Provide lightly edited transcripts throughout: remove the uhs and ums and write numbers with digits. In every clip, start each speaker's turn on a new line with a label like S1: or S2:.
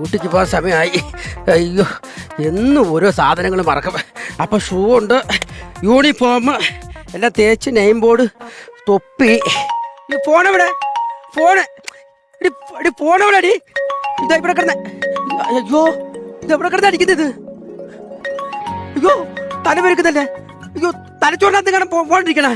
S1: ഡ്യൂട്ടിക്ക് പോകാൻ സമയമായി. അയ്യോ, എന്നും ഓരോ സാധനങ്ങൾ മറക്കും. അപ്പം ഷൂ ഉണ്ട്, യൂണിഫോം എല്ലാം തേച്ച്, നെയിം ബോർഡ്, തൊപ്പി. ഈ ഫോണെവിടെ? ഫോണ് ഫോണെവിടെ അടി? ഇതാ ഇവിടെ കിടന്ന. അയ്യോ, ഇത് എവിടെ കിടന്ന അടിക്കുന്നത്? അയ്യോ, തലവെരുക്കുന്നല്ലേ? അയ്യോ, തലച്ചോറിനകത്ത് കാണാൻ പോണ്ടിരിക്കണ.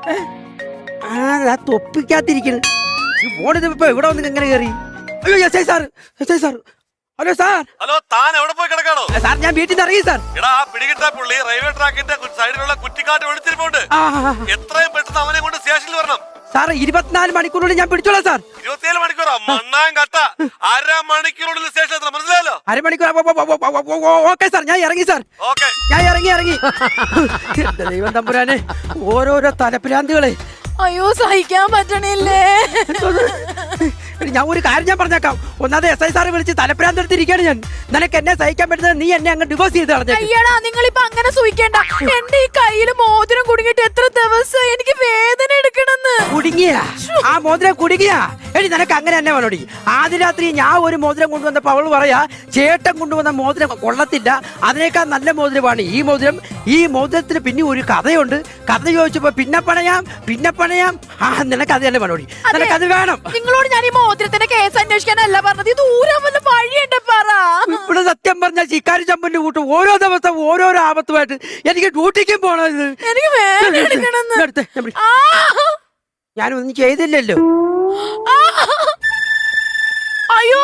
S1: ആ തൊപ്പിക്കാത്തിരിക്കണ്. ഈ ഫോണിത് ഇപ്പൊ ഇവിടെ വന്ന് എങ്ങനെ കയറി? അയ്യോ, S I sir. Hello sir.
S2: Hello, താൻ എവിടെ പോയി കിടക്കാണോ?
S1: സാർ, ഞാൻ വീട്ടിൽ നിന്ന് ഇറങ്ങി സാർ.
S2: എടാ, പിടികിട്ടാ പുള്ളി റെയിൽവേ ട്രാക്കിന്റെ സൈഡിലുള്ള കുറ്റിക്കാട്ട് ഒളിച്ചിരിപ്പുണ്ട്. എത്രയും പെട്ടെന്ന് അവനെ കൊണ്ട് സ്റ്റേഷനിൽ വരണം
S1: സാർ. 24 മണിക്കൂറിനുള്ളിൽ ഞാൻ പിടിച്ചോളാം സാർ.
S2: 27 മണിക്കൂറാ? മണ്ണാൻ കട്ട. അരമണിക്കൂറിനുള്ളിൽ സ്റ്റേഷനിൽ എത്തണം, മനസ്സിലായല്ലോ?
S1: അരമണിക്കൂർ. ഓക്കെ സാർ, ഞാൻ ഇറങ്ങി സാർ. ഞാൻ ഇറങ്ങി. എന്റെ ദൈവം തമ്പുരാനെ, ഓരോരോ തലപ്രാന്തികളെ.
S3: അയ്യോ, സഹിക്കാൻ പറ്റണില്ലേ?
S1: ഞാൻ ഒരു കാര്യം ഞാൻ പറഞ്ഞേക്കാം. ഒന്നാമത് എസ് ഐ സാറ് വിളിച്ച് തലപ്രാന്ത് എടുത്തിരിക്കുകയാണ് ഞാൻ. നിനക്ക് എന്നെ സഹിക്കാൻ പറ്റുന്നത് നീ എന്നെ അങ്ങ് ഡിവോഴ്സ് ചെയ്ത് കളഞ്ഞു.
S3: അയ്യടാ, നിങ്ങളിപ്പോ അങ്ങനെ സൂഹിക്കണ്ട. എന്റെ ഈ കയ്യില് മോതിരം കുടുങ്ങിട്ട് എത്ര ദിവസം എനിക്ക് വേദന എടുക്കണെന്ന്.
S1: കുടുങ്ങിയ ആ മോതിരം കുടുങ്ങിയ എടി, നിനക്ക് അങ്ങനെ തന്നെ വേണോടി. ആദ്യ രാത്രി ഞാൻ ഒരു മോതിരം കൊണ്ടുവന്നപ്പോ അവള് പറയാ, ചേട്ടൻ കൊണ്ടുവന്ന മോതിരം കൊള്ളത്തില്ല, അതിനേക്കാൾ നല്ല മോതിരമാണ് ഈ മോതിരം. ഈ മോതിരത്തിന് പിന്നെ ഒരു കഥയുണ്ട്. കഥ ചോദിച്ചപ്പോ പിന്നെ പണയാം. ആ, നിനക്ക് അത് തന്നെ വേണോടി, നിനക്ക് അത് വേണം.
S3: നിങ്ങളോട് ഞാൻ ഈ മോതിരത്തിന്റെ കേസ് അന്വേഷിക്കാനല്ല പറഞ്ഞത്. ഇത് ഊരാൻ വല്ല വഴിയുണ്ട് പറ.
S1: ഇവിടെ സത്യം പറഞ്ഞാൽ ശിക്കാരി ചമ്പന്റെ കൂട്ടും ഓരോ ദിവസം ഓരോരോ ആപത്തുമായിട്ട് എനിക്ക് ഡ്യൂട്ടിക്കും പോണം. ഇത്
S3: എനിക്ക് വേദന എടുക്കണെന്ന്.
S1: ഞാനൊന്നും ചെയ്തില്ലല്ലോ.
S3: അയ്യോ,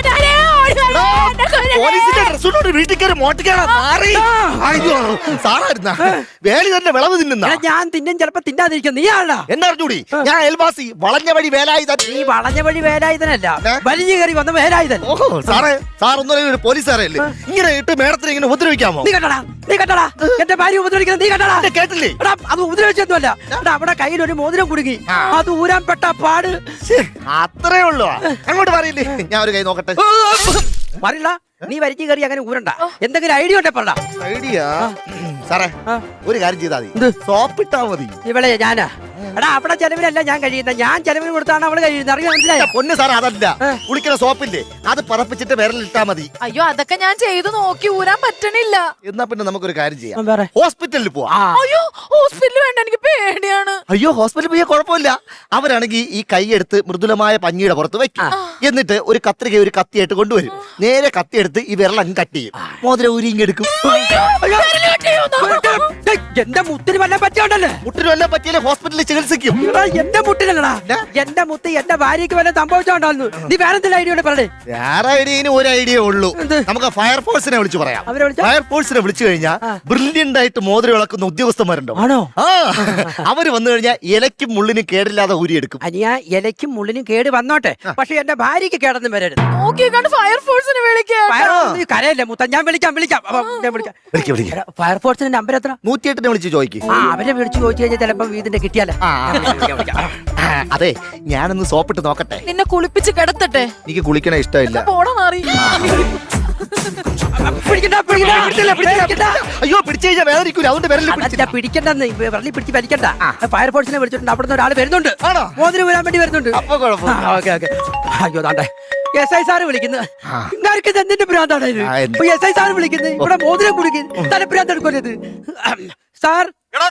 S4: പോലീസിന്റെ ഡ്രസ്സോട് വീട്ടിൽ കയറി മോട്ടിക്കാണ് മാറി. അയ്യോ, സാറായിരുന്ന വേലി തന്നെ വിളവ് തിന്നുന്ന.
S1: ഞാൻ തിന്നും, ചിലപ്പോ തിന്നാതിരിക്കും. നീ ആളാ
S4: എന്നാ അറിഞ്ഞൂടി? ഞാൻ അയൽവാസി, വളഞ്ഞ വഴി വേലായുധൻ.
S1: നീ വളഞ്ഞ വഴി വേലായുധനല്ല, വലിഞ്ഞു കയറി വന്ന വേലായുധൻ.
S4: ഓഹോ, സാറേ, സാർ ഒന്നും പോലീസുകാരല്ലേ? ഇങ്ങനെ ഇട്ട് മേഡത്തിന് ഇങ്ങനെ ഉപദ്രവിക്കാമോ?
S1: നീ കണ്ടടാ എന്റെ ഭാര്യ ഉപദ്രവിക്കുന്നത്. നീ കണ്ടടാ?
S4: കേട്ടില്ലേ?
S1: അത് ഉപദ്രവിച്ചൊന്നുമല്ല. അവിടെ കയ്യിൽ ഒരു മോതിരം കുടുങ്ങി, അത് ഊരാൻ പെട്ട പാട്.
S4: അത്രേ ഉള്ളൂ. അങ്ങോട്ട് പറയില്ലേ, ഞാൻ ഒരു കൈ നോക്കട്ടെ.
S1: പറയില്ല, നീ വലിഞ്ഞു കയറി അങ്ങനെ ഊരണ്ട. എന്തെങ്കിലും ഐഡിയ ഉണ്ടെ പറ.
S4: ഐഡിയ? സാറേ, ഒരു കാര്യം ചെയ്താൽ മതി, സോപ്പിട്ടാ മതി.
S1: ഇവിടെ ഞാനാ? എടാ, അവിടെ ചെലവിനല്ല ഞാൻ കഴിയുന്നത്, ഞാൻ ചെലവിന് കൊടുത്താണ് അവള് കഴിയുന്നത്. അറിയാൻ മനസ്സിലായോ?
S4: പൊന്ന് സാറേ, അതല്ല, കുളിക്കുന്ന സോപ്പില്ലേ, അത് പതപ്പിച്ചിട്ട് വിരലിട്ടാ മതി.
S3: അയ്യോ, അതൊക്കെ ഞാൻ ചെയ്തു നോക്കി, ഊരാൻ പറ്റണില്ല.
S4: എന്നാ പിന്നെ നമുക്കൊരു കാര്യം ചെയ്യാം,
S1: വേറെ
S4: ഹോസ്പിറ്റലിൽ പോവാം.
S3: അയ്യോ, ഹോസ്പിറ്റലിൽ വേണ്ട, എനിക്ക് പേടിയാണ്.
S4: അയ്യോ, ഹോസ്പിറ്റലിൽ പോയാൽ കുഴപ്പമില്ല. അവരാണെങ്കിൽ ഈ കൈ എടുത്ത് മൃദുലമായ പഞ്ഞിയുടെ പുറത്ത് വെക്കും. എന്നിട്ട് ഒരു കത്രിക ഒരു കത്തിയായിട്ട് കൊണ്ടുവരും. നേരെ കത്തിയെടുത്ത് ഈ വിരലങ്ങ് കട്ട് ചെയ്യും. മോതിരം ഊരിങ്ങെടുക്കും.
S1: എന്റെ മുത്തിന് വല്ല പറ്റിയോണ്ടല്ലേ?
S4: മുട്ടിന് വല്ല പറ്റിയാലേ ഹോസ്പിറ്റലിൽ ചികിത്സിക്കും.
S1: എന്റെ മുട്ടിലല്ലടാ, എന്റെ മുത്ത് എന്റെ ഭാര്യക്ക് വല്ല സംഭവിച്ചോണ്ടായിരുന്നു. നീ വേറെ എന്തെങ്കിലും ഐഡിയ പറയേ?
S4: വേറെ ഐഡിയന് ഒരു ഐഡിയ ഉള്ളൂ. നമുക്ക് ഫയർഫോഴ്സിനെ വിളിച്ചു പറയാം. ഫയർഫോഴ്സിനെ വിളിച്ചു കഴിഞ്ഞാൽ ബ്രില്യന്റ് ആയിട്ട് മോതിരം ഇളക്കുന്ന ഉദ്യോഗസ്ഥന്മാരുണ്ടോ?
S1: ആണോ?
S4: ആ, അവര് വന്നു കഴിഞ്ഞാൽ ഇലയ്ക്കും മുള്ളിനും കേടില്ലാതെ ഊരിയെടുക്കും.
S1: അനിയ, ഇലയ്ക്കും മുള്ളിനും കേട് വന്നോട്ടെ, പക്ഷെ എന്റെ ഭാര്യക്ക് കേടൊന്നും വരരുത്.
S3: നോക്കിയേക്കാണ്ട് ഫയർഫോഴ്സിനെ വിളിക്കാം.
S1: കരയല്ലേ മുത്ത, ഞാൻ വിളിക്കാം. ഫയർഫോഴ്സിന്റെ നമ്പർ എത്ര?
S4: 108 വിളിച്ച് ചോദിക്കും.
S1: അവരെ വിളിച്ചു ചോദിച്ചു കഴിഞ്ഞാൽ ചിലപ്പോ ഇതിന്റെ കിട്ടിയാലേ.
S4: അതെ, ഞാനൊന്ന് സോപ്പിട്ട് നോക്കട്ടെ.
S3: നിന്നെ കുളിപ്പിച്ച് കിടത്തട്ടെ?
S4: എനിക്ക് കുളിക്കണ ഇഷ്ടമില്ല.
S3: പോടാ മാറി.
S4: അയ്യോ, പിടിച്ചു കഴിഞ്ഞാൽ വേദനിക്കൂല, അതുകൊണ്ട്
S1: പിടിക്കണ്ടെന്ന് വിരലി പിടിച്ച് വലിക്കണ്ട. ഫയർഫോഴ്സിനെ വിളിച്ചിട്ടുണ്ട്, അവിടെ നിന്ന് ഒരാൾ വരുന്നുണ്ട്, മോതിരം വരാൻ വേണ്ടി വരുന്നുണ്ട്. അയ്യോ, താണ്ടേ എസ് ഐ സാറ് വിളിക്കുന്നത്. നിങ്ങൾക്ക് എന്തിന്റെ ഭ്രാന്താണ് ഇത്? എസ് ഐ സാറ് വിളിക്കുന്നത്, ഇവിടെ മോതിരം കുടുങ്ങി തലഭ്രാന്ത് എടുക്കരുത് സാർ.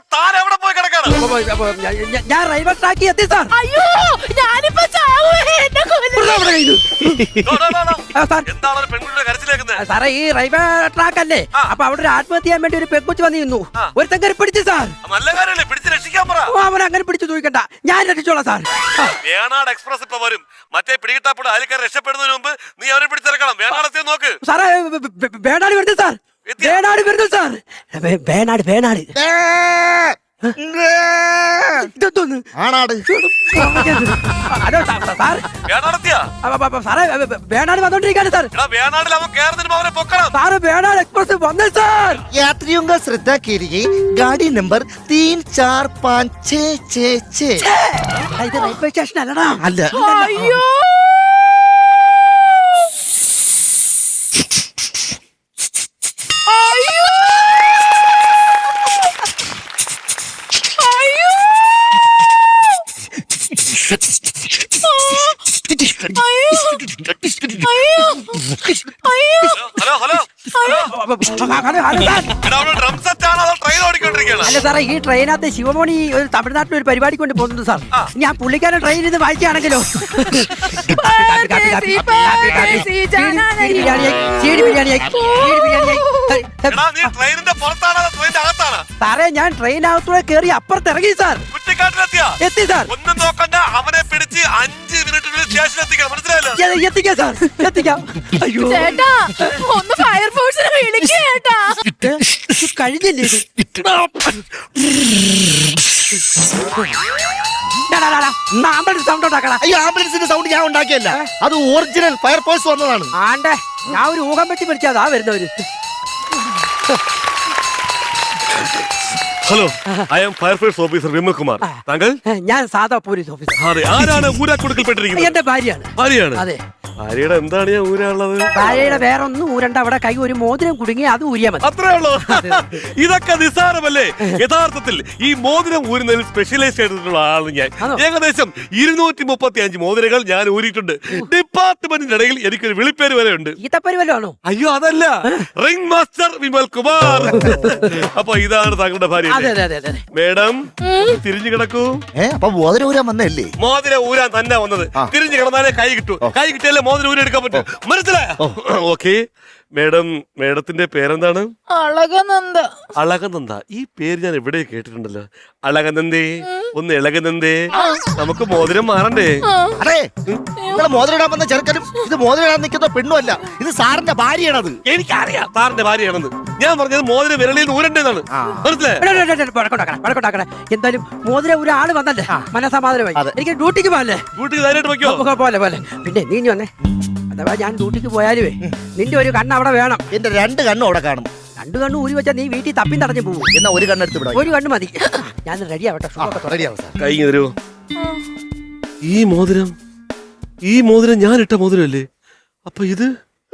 S1: ഞാൻ റെയിൽവേ ട്രാക്കിൽ എത്തി സാർ.
S3: അയ്യോ, ഞാനിപ്പോ
S1: സാറേ, ഈ റെയിൽവേ ട്രാക്ക് അല്ലേ, അപ്പൊ അവിടെ ഒരു ആത്മഹത്യ ചെയ്യാൻ വേണ്ടി ഒരു പെൺകുച്ച് വന്നിരുന്നു. ഒരുത്തൻ കയറി പിടിച്ചു സാർ. അവൻ അങ്ങനെ പിടിച്ചു ചോദിക്കണ്ട, ഞാൻ രക്ഷിച്ചോളാം സാർ.
S2: വേണാട് എക്സ്പ്രസ് ഇപ്പൊ വരും. മറ്റേ പിടികിട്ടാപ്പോൾ അയൽക്കാർ രക്ഷപ്പെടുന്നതിന് മുമ്പ് നീ അവരെ പിടിച്ചിറക്കണം. വേണാട് നോക്ക്
S1: സാറേ. വേണാട് വരുന്നു സാർ. വേണാട്
S4: ആണാട്.
S1: Hello sir. സാറേ, വേണാട് വന്നോണ്ടിരിക്കാണ് സാർ. സാറ് വേണാട് എക്സ്പ്രസ് വന്നു സാർ.
S4: यात्रियों का श्रद्धा के लिए गाड़ी नंबर 34566.
S1: ഇത് റെയിൽവേ സ്റ്റേഷൻ അല്ലടാ.
S4: അല്ല.
S3: അയ്യോ,
S2: ഡ്രം സെറ്റ് ആണോ അതോ ട്രെയിൻ ഓടിക്കൊണ്ടിരിക്കുകയാണ്?
S1: അല്ല സാറേ, ഈ ട്രെയിനകത്ത് ശിവമണി ഒരു തമിഴ്നാട്ടിൽ ഒരു പരിപാടി കൊണ്ട് പോകുന്നുണ്ട് സാർ. ഞാൻ പുള്ളിക്കാരൻ ട്രെയിനിൽ നിന്ന് വായിക്കുകയാണെങ്കിലോ
S2: എടാ, നീ ട്രെയിനിന്റെ പുറത്താണോ അതോ ട്രെയിനിന്റെ അകത്താണോ?
S1: സാറേ, ഞാൻ ട്രെയിനകത്തൂടെ കയറി അപ്പുറത്ത് ഇറങ്ങി സാർ.
S2: കുറ്റിക്കാട്ടിലെത്തിയാ?
S1: എത്തി സാർ.
S2: ഒന്നും നോക്കണ്ട, അവനെ പിടിച്ച് 5 മിനിറ്റിനുള്ളിൽ സ്റ്റേഷനിൽ എത്തിക്കണം, മനസ്സിലായല്ലോ?
S1: എത്തിക്കാം സാർ, എത്തിക്കാം. അയ്യോ
S3: ചേട്ടാ, ഒന്ന് ഫയർഫോഴ്സിനെ വിളിക്കേട്ടാ.
S1: കഴിഞ്ഞില്ലേ ഇത്? ആംബുലൻസ് സൗണ്ട് ഉണ്ടാക്കടാ.
S4: അയ്യോ, ആംബുലൻസിന്റെ സൗണ്ട് ഞാൻ ഉണ്ടാക്കിയല്ല, അത് ഒറിജിനൽ ഫയർഫോഴ്സ് വന്നതാണ്.
S1: ആണ്ടേ, ഞാൻ ഒരു ഊഹം വെച്ച് പിടിച്ചാതാ വരുന്നവര്.
S2: Hello, I am fire force officer Vimal Kumar. താങ്കൾ?
S1: ഞാൻ സാധാ പോലീസ് ഓഫീസർ.
S2: അതെ. ആരാണ് ഊരാക്കുടുക്കൽപ്പെട്ടിരിക്കുന്നത്?
S1: എന്റെ ഭാര്യയാണ്.
S2: ഭാര്യയാണ്?
S1: അതെ.
S2: ഭാര്യയുടെ എന്താണ് ഞാൻ ഊരാനുള്ളത്?
S1: ഭാര്യയുടെ വേറെ ഒന്നും ഊരണ്ട. അവിടെ കൈ ഒരു മോതിരം കുടുങ്ങി അത് ഊരിയാ മതി.
S2: അത്രേ ഉള്ളൂ. ഇതൊക്കെ നിസ്സാരമല്ലേ? യഥാർത്ഥത്തിൽ ഈ മോതിരം ഊരുന്നതിൽ സ്പെഷ്യലൈസ് ചെയ്തിട്ടുള്ള ആളാണ് ഞാൻ. ഏകദേശം 235 മോതിരങ്ങൾ ഞാൻ ഊരിയിട്ടുണ്ട്. ഡിപ്പാർട്ട്മെന്റിന്റെ ഇടയിൽ എനിക്കൊരു വിളിപ്പേര് വരെ ഉണ്ട്.
S1: ഈത്തപ്പരി വല്ലതാണോ?
S2: അയ്യോ, അതല്ല, റിംഗ് മാസ്റ്റർ വിമൽ കുമാർ. അപ്പൊ ഇതാണ് താങ്കളുടെ ഭാര്യ. മേഡം, തിരിഞ്ഞു കിടക്കൂ.
S4: അപ്പൊ മോതിരം ഊരാൻ വന്നല്ലേ?
S2: മോതിരം ഊരാൻ തന്നെ വന്നത്. തിരിഞ്ഞു കിടന്നാലേ കൈ കിട്ടൂ. കൈ കിട്ടിയാലേ മോതിരം ഊരി എടുക്കാൻ പറ്റും, മനസ്സിലായോ? ഓക്കെ. മേഡത്തിന്റെ പേരെന്താണ്?
S3: അളകനന്ദ.
S2: അളകനന്ദ. ഈ പേര് ഞാൻ എവിടെ കേട്ടിട്ടുണ്ടല്ലോ. അളകനന്ദേ, ഒന്ന് ഇളകനന്ദേ, നമുക്ക് മോതിരം മാറണ്ടേ?
S4: അതെ, നിങ്ങളെ മോതിരം ഇടാൻ വന്ന ചെറുക്കനും ഇത് മോതിരം ഇടാൻ നിൽക്കുന്ന പെണ്ണുമല്ല, ഇത് സാറിന്റെ ഭാര്യയാണത്.
S2: എനിക്കറിയാം സാറിന്റെ ഭാര്യയാണെന്ന്. ഞാൻ പറഞ്ഞത് മോതിരം വിരളിൽ നിന്ന് ഊരണ്ടേന്നാണ്, മനസ്സിലായോ?
S1: എന്തായാലും മോതിരം ഒരു ആള് വന്നല്ലേ, മനസമാധാനമായി. എനിക്ക് ഡ്യൂട്ടിക്ക് പോകല്ലേ.
S2: ഡ്യൂട്ടിക്ക് ധൈര്യമായിട്ട് വയ്ക്കോ.
S1: പോലെ പോലെ. പിന്നെ നീ വന്നേ, അഥവാ ഞാൻ ഡ്യൂട്ടിക്ക് പോയാലുവേ നിന്റെ ഒരു കണ്ണ് അവിടെ വേണം.
S4: എന്റെ 2 കണ്ണും അവിടെ കാണും.
S1: 2 കണ്ണ് ഊരി വെച്ചാൽ നീ വീട്ടിൽ തപ്പി തടഞ്ഞു പോകും.
S4: എന്നാ ഒരു കണ്ണെടുത്ത് വിടാം.
S1: ഒരു കണ്ണ് മതി. ഞാൻ റെഡി ആവട്ടെ.
S2: കൈ തരുമോ? ഈ മോതിരം ഞാൻ ഇട്ട മോതിരല്ലേ? അപ്പൊ ഇത്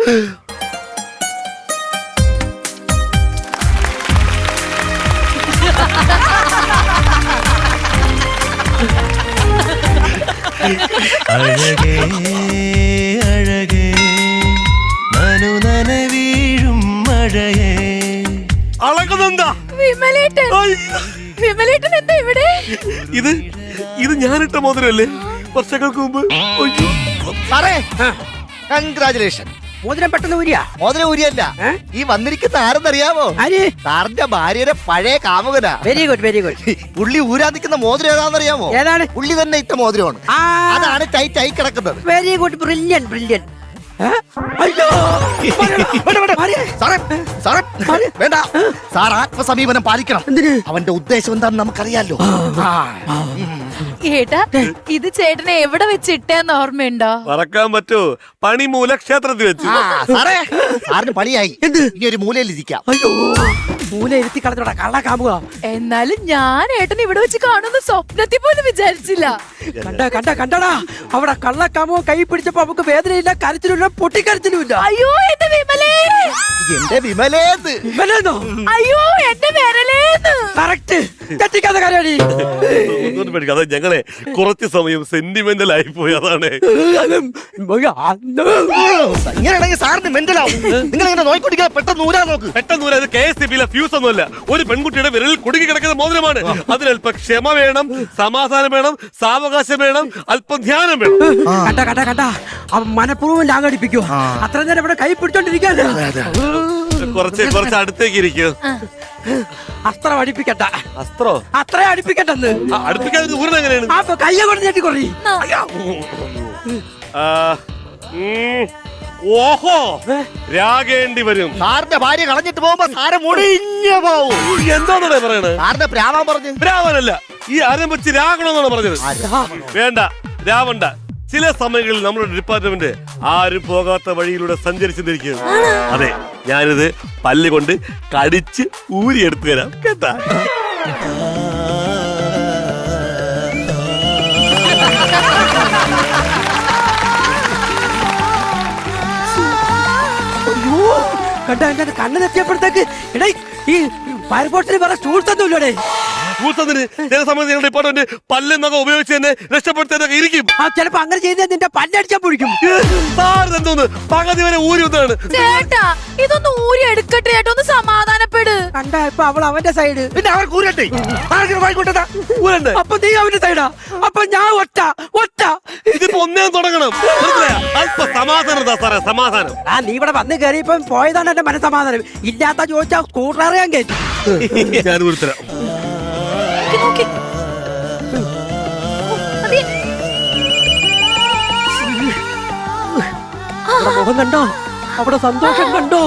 S5: അഴകേ അഴകേ നനു നനവീഴും മഴയേ.
S2: അളകനന്ദ.
S3: വിമലേട്ടൻ. വിമലേട്ടൻ എന്താ ഇവിടെ?
S2: ഇത് ഞാനിട്ട മോതിരല്ലേ വർഷങ്ങൾക്ക് മുമ്പ്?
S4: സാറേ, കൺഗ്രാചുലേഷൻ.
S1: മോതിരം പെട്ടെന്ന് ഊരിയാ?
S4: മോതിരം ഊരിയല്ല, ഈ വന്നിരിക്കുന്ന ആരെന്നറിയാമോ? സാറിന്റെ ഭാര്യയുടെ പഴയ കാമുകനാ.
S1: Very good, very good.
S4: പുള്ളി ഊരാൻ നിൽക്കുന്ന മോതിരം ഏതാണെന്നറിയാമോ?
S1: ഏതാണ്?
S4: പുള്ളി തന്നെ ഇട്ട മോതിരമാണ്. അതാണ് ടൈറ്റ് ആയി കിടക്കുന്നത്.
S1: Very good, brilliant, brilliant.
S4: വേണ്ട, സാർ ആത്മസമീപനം പാലിക്കണം. അവന്റെ ഉദ്ദേശം എന്താണെന്ന് നമുക്കറിയാലോ.
S3: ഏട്ടാ, ഇത് ചേട്ടനെ എവിടെ വെച്ചിട്ടേന്ന് ഓർമ്മയുണ്ടോ?
S2: മറക്കാൻ പറ്റൂ, പണിമൂല ക്ഷേത്രത്തിൽ വെച്ചു.
S4: സാറേ, സാറിന് പണിയായി. ഇനി ഒരു മൂലയിൽ ഇരിക്കാം.
S1: അയ്യോ, മൂല ഇരുത്തി കളഞ്ഞോടാ കള്ള കാമുക.
S3: എന്നാലും ഞാൻ ഏട്ടൻ ഇവിടെ വെച്ച് കാണുന്ന സ്വപ്നത്തിൽ പോലും വിചാരിച്ചില്ല.
S1: കണ്ടടാ, അവിടെ കള്ള കാമുക കൈ പിടിച്ചപ്പോ നമുക്ക് വേദനയില്ല, കരച്ചിലില്ല, പൊട്ടിക്കരച്ചിലുമില്ല.
S3: അയ്യോ, എന്റെ വിമലേ.
S4: എന്റെ വിമലേന്ന്.
S1: വിമലെന്നോ?
S3: അയ്യോ, എന്റെ വിരലേന്ന്.
S1: കറക്റ്റ്. തെറ്റിക്കാത്ത കാര്യമാണ്.
S2: അത് ഞങ്ങളെ കുറച്ച് സമയം സെന്റിമെന്റൽ ആയി പോയി, അതാണ്.
S4: ഇങ്ങനെയാണെങ്കിൽ സാറിന് മെന്റലാവും. നിങ്ങൾ ഇങ്ങനെ നോക്കിക്കൊണ്ടിരിക്കാൻ പെട്ടെന്ന് ഊരാൻ നോക്ക്.
S2: പെട്ടെന്ന് ഊരാ. KSTB ഫ്യൂസ് ഒന്നുമല്ല, ഒരു പെൺകുട്ടിയുടെ വിരലിൽ കുടുങ്ങി കിടക്കുന്ന മോതിരമാണ്. അതിനല്പം ക്ഷമ വേണം, സമാധാനം വേണം, സാവകാശം വേണം, അല്പം ധ്യാനം വേണം.
S1: കണ്ട മനഃപൂർവ്വം ലാഗടിപ്പിക്കോ. അത്ര നേരം ഇവിടെ കൈ പിടിച്ചോണ്ടിരിക്കാല്ലോ.
S2: കുറച്ച് അടുത്തേക്ക് ഇരിക്കൂ.
S1: അസ്ത്രം അടിപ്പിക്കട്ട.
S2: അസ്ത്രോ?
S1: അത്ര അടിപ്പിക്കട്ടെന്ന്.
S2: അടുപ്പിക്കാതെ ഊരണ എങ്ങനെയാണ്?
S1: അപ്പൊ കയ്യെ കൊണ്ട് ഞെട്ടി കുറേ.
S2: ഓഹോ, രാഗേണ്ടി വരും.
S4: സാറിന്റെ ഭാര്യ കളഞ്ഞിട്ട് പോകുമ്പോ സാറ് മുടിഞ്ഞു പോവും.
S2: എന്താണെന്നാ പറയണത്?
S4: സാറിന്റെ പ്രാവാൻ പറഞ്ഞു.
S2: രാവനല്ല, ഈ ആരംഭിച്ച് രാഗണമെന്നാണ് പറഞ്ഞത്. വേണ്ട, രാവണ്ട. ചില സമയങ്ങളിൽ നമ്മുടെ ഡിപ്പാർട്ട്മെന്റ് ആരും പോകാത്ത വഴിയിലൂടെ സഞ്ചരിച്ചിരിക്കുന്നു. അതെ, ഞാനിത് പല്ല് കൊണ്ട് കടിച്ച് ഊരിയെടുത്തു തരാം കേട്ടാ.
S1: കണ്ട കണ്ണ് തെറ്റിയപ്പോഴത്തേക്ക് എടേ ഈ ഫയർഫോഴ്സിന് വേറെ സ്റ്റൂൾസ് ഒന്നും ഇല്ലടേ.
S2: ടൂൾസത്തിന് ചില സമയത്ത് ഞങ്ങളുടെ ഡിപ്പാർട്ട്മെന്റ് പല്ലെന്നൊക്കെ ഉപയോഗിച്ച് തന്നെ രക്ഷപ്പെടുത്താനൊക്കെ ഇരിക്കും.
S1: ആ ചിലപ്പോ അങ്ങനെ ചെയ്താൽ നിന്റെ പല്ലടിച്ചാൻ പൊഴിക്കും.
S2: സാറിന് എന്തോന്ന് പകുതി വരെ ഊരി ഒന്നാണ്.
S3: ചേട്ടാ ഇതൊന്ന് ഊരി എടുക്കട്ടെ ചേട്ടാ, ഒന്ന് സമാധാനപ്പെട്.
S1: കണ്ട ഇപ്പൊ അവൾ അവന്റെ സൈഡ്,
S4: പിന്നെ അവർ കൂരട്ടെ വായിക്കോട്ടെ.
S2: ഊരണ്ടേ?
S1: അപ്പൊ നീ അവന്റെ സൈഡാ, അപ്പൊ ഞാൻ ഒറ്റ ഒറ്റ.
S2: ഇതിപ്പോ ഒന്നേ തുടങ്ങണം. മനസ്സിലായോ? അല്പ സമാധാനം താ സാറേ, സമാധാനം.
S1: ആ നീ ഇവിടെ വന്ന് കയറിയപ്പം പോയതാണ് എന്റെ മനസ്സമാധാനം. ഇല്ലാത്ത ചോദിച്ചാ സ്കൂട്ടർ അറിയാൻ കയറ്റി.
S2: ഞാൻ ഊരിത്തരാം.
S3: നോക്കി, നോക്കി. അതെ.
S1: അവിടെ മുഖം കണ്ടോ, അവിടെ സന്തോഷം കണ്ടോ?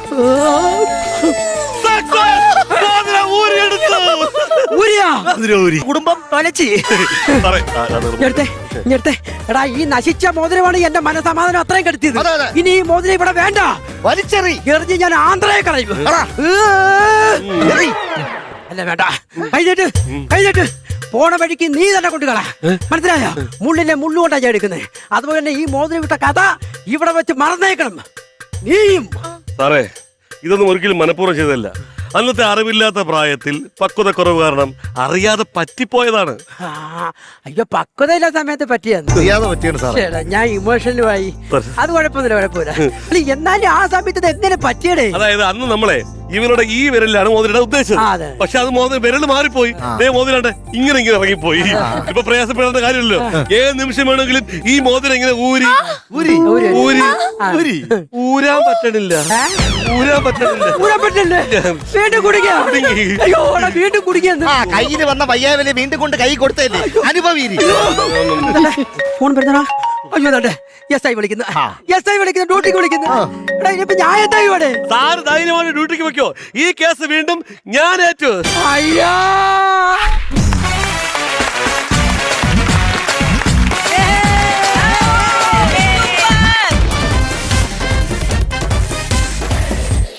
S2: Success! മോതിരം ഊരിയെടുത്തു.
S1: ഊരിയാ?
S2: മോതിരം ഊരി.
S1: കുടുംബം തൊലച്ചി.
S2: സാറേ,
S1: ഞെടുത്തെ ഞെടുത്തെ. എടാ ഈ നശിച്ച മോതിരമാണ് എന്റെ മനസ്സമാധാനം അത്രയും കെടുത്തിയത്.
S4: അതെ, അതെ.
S1: ഇനി ഈ മോതിരം ഇവിടെ വേണ്ട.
S4: വലിച്ചെറി.
S1: എറിഞ്ഞ് ഞാൻ ആന്ധ്രയെ കളയും.
S4: എറി.
S1: അല്ല വേണ്ട, കഴിഞ്ഞിട്ട് കഴിഞ്ഞിട്ട് പോണ വഴിക്ക് നീ തന്നെ കൊണ്ടുകള. മനസ്സിലായോ? മുള്ളിലെ മുള്ളുകൊണ്ടാ ഞാൻ എടുക്കുന്നത്. അതുപോലെ തന്നെ ഈ മോതിരം വിട്ട കഥ ഇവിടെ വെച്ച് മറന്നേക്കണം നീയും.
S2: സാറേ, ഇതൊന്നും ഒരിക്കലും മനഃപൂർവ്വം ചെയ്തതല്ല. അന്നത്തെ അറിവില്ലാത്ത പ്രായത്തിൽ പക്വതക്കുറവ് കാരണം അറിയാതെ പറ്റിപ്പോയതാണ്.
S1: ആ, അയ്യോ പക്വതയില്ല സമയത്ത് പറ്റിയെന്ന്.
S4: അറിയാതെ പറ്റിയാണ് സാറേ.
S1: ശരിടാ, ഞാൻ ഇമോഷണലുമായി. അത് കുഴപ്പമൊന്നുമില്ല, കുഴപ്പമില്ല. അല്ല, എന്നാലും ആ സമയത്ത് ഇത് എങ്ങനെ പറ്റിയടേ?
S2: അതായത് അന്ന് നമ്മളെ ഇവരുടെ ഈ വിരലിലാണ് മോതിരം
S1: ആ,
S2: ഉദ്ദേശിച്ചത്.
S1: അതെ.
S2: പക്ഷെ അത് വിരൽ മാറിപ്പോയി. മോതിരാണ്ട് ഇങ്ങനെ ഇറങ്ങിപ്പോയി. ഇപ്പൊ പ്രയാസപ്പെടേണ്ട കാര്യമില്ലല്ലോ. ഏത് നിമിഷം വേണമെങ്കിലും ഈ മോതിരം ഇങ്ങനെ ഊരി
S4: ഊരി.
S1: ഊരി.
S2: ഊരി
S1: ആ.
S2: ഊരി ഊരാൻ പറ്റണില്ല. ഊരാൻ പറ്റണില്ല.
S1: ഊരാൻ പറ്റില്ലേ? വീണ്ടും കുടിക്കാ.
S2: കുടുങ്ങി.
S1: അയ്യോ എടാ, വീണ്ടും കുടിക്കുന്നു.
S4: ആ കയ്യില് വന്ന വയ്യാവലെ വീണ്ടും കൊണ്ട് കൈ കൊടുത്തല്ലേ അനുഭവീരി.
S1: ഫോൺ വരുന്നടാ. അയ്യോ ദാണ്ടെ, എസ് ഐ വിളിക്കുന്നു. എസ് ഐ വിളിക്കുന്നു, ഡ്യൂട്ടിക്ക് വിളിക്കുന്നു. എടാ ഇനിയിപ്പോ ഞാൻ എന്താ ഇവിടെ?
S2: സാറ് ധൈര്യമായി ഡ്യൂട്ടിക്ക് വെക്കോ. ഈ കേസ് വീണ്ടും ഞാൻ ഏറ്റു.
S1: അയ്യാ